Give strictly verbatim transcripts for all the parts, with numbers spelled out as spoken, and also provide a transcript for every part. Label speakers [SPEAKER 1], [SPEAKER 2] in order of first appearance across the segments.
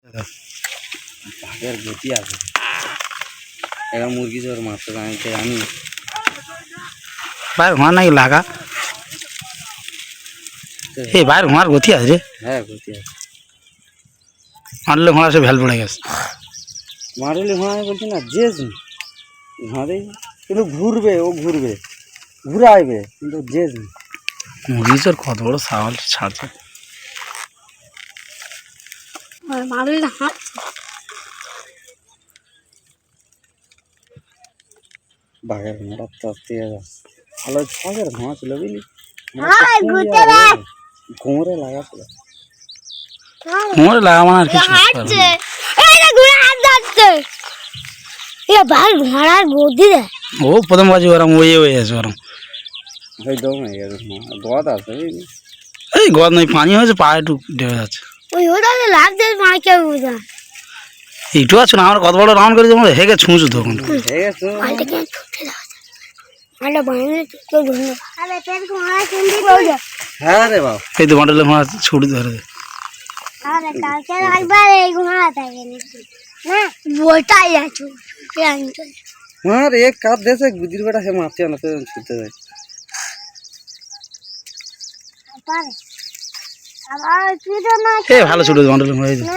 [SPEAKER 1] বাঘের গতি আছে। এরা মুরগি জোর মারতে জানতে আমি
[SPEAKER 2] ভাই ঘোড়া নাকি লাগা এই ভাইয়ের ঘোড়ার গতি আছে রে।
[SPEAKER 1] হ্যাঁ গতি আছে।
[SPEAKER 2] মারলে ঘোড়া সে ভ্যাল পড়ে গেছে।
[SPEAKER 1] মারলে ঘোড়া আমি বলছি না যে ঘোড়া কিন্তু ঘুরবে, ও ঘুরবে ঘুরে আসবে কিন্তু যে
[SPEAKER 2] মুরগি জোর কত বড় সাওয়াল ছাড়ছে।
[SPEAKER 1] বাঘের ঘোড়া তত্ত্বে ভালো ছাগের ঘোড়া ছিল বুঝলি, ঘোড়ে লাগাছিল
[SPEAKER 2] ঘোড়ে লাগা মানে আর কিছু
[SPEAKER 3] ঘোড়ার গদি রে
[SPEAKER 2] ও প্রথম বাজি ওরম ওই হয়ে আছে ওরম
[SPEAKER 1] ওই দম হয়ে গেছে গদ আছে বুঝলি।
[SPEAKER 2] এই গদ নয় পানি হয়েছে পা একটু ঢেবে যাচ্ছে।
[SPEAKER 3] ওই ওটা লাগছে মা কে বুঝা
[SPEAKER 2] একটু আছে না আমার কত বড় রাউন্ড করে যেমন হেগে ছুঁচু তখন
[SPEAKER 1] হয়ে গেছে। হ্যাঁ রে বাবা
[SPEAKER 2] এই তো বান্ডলে ঘোড়া ছুটি ধরে দে।
[SPEAKER 1] হ্যাঁ রে এক কাপ দেশে গুদির বেটা সে মারতে না তো ছুটতে যায়।
[SPEAKER 2] এ ভালো ছুটে বান্ডলে ঘোড়া এই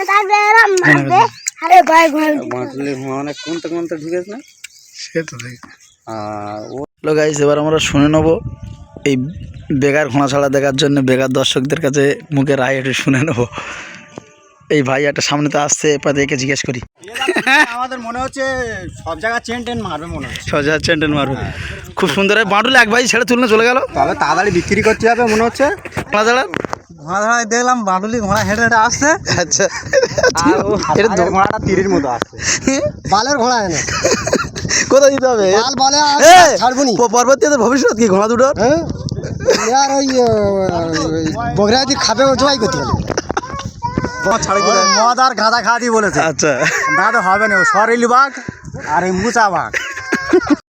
[SPEAKER 1] বাঁটলি ঘোড়া অনেক কোনটা কোনটা ঢুকেছে না
[SPEAKER 2] সে তো দেখ।
[SPEAKER 1] আর ও
[SPEAKER 2] হ্যালো গাইস, এবার আমরা শুনে নেব এই বেকার ঘোড়া ছাড়া দেখার জন্য বেকার দর্শকদের কাছে মুখে রায় একটু শুনে নেব। এই ভাই একটা সামনে তো আসছে, এবার একে জিজ্ঞেস করি।
[SPEAKER 4] আমাদের মনে হচ্ছে সব জায়গায় চেন টেন মারবে মনে হচ্ছে।
[SPEAKER 2] ছজা চেন্টেন মারবে খুব সুন্দর। বাঁটুলে এক ভাই ছেড়ে তুলনে চলে গেল।
[SPEAKER 4] তবে তাড়াতাড়ি বিক্রি করতে হবে মনে হচ্ছে।
[SPEAKER 2] ঘোড়া ছাড়া
[SPEAKER 4] ঘোড়া ধরায় দেখলাম বাঁটুলি ঘোড়া হেঁটে হেঁটে আসছে।
[SPEAKER 2] আচ্ছা
[SPEAKER 4] আর ঘোড়াটা তীরের মতো আসছে। বালের ঘোড়া এনে
[SPEAKER 2] কোথায় দিতে হবে
[SPEAKER 4] বাল বলে ছাড়বনি।
[SPEAKER 2] পরবর্তীতে ভবিষ্যৎ কি ঘোড়া দুটোর
[SPEAKER 4] আর ওই বগরা যদি খাবে ও জবাই করতে হবে। মদ আর গাঁদা খাওয়া দিয়ে বলেছে।
[SPEAKER 2] আচ্ছা
[SPEAKER 4] দাদা হবে না, ও সরেলি বাঘ আর এই মুচা বাঘ।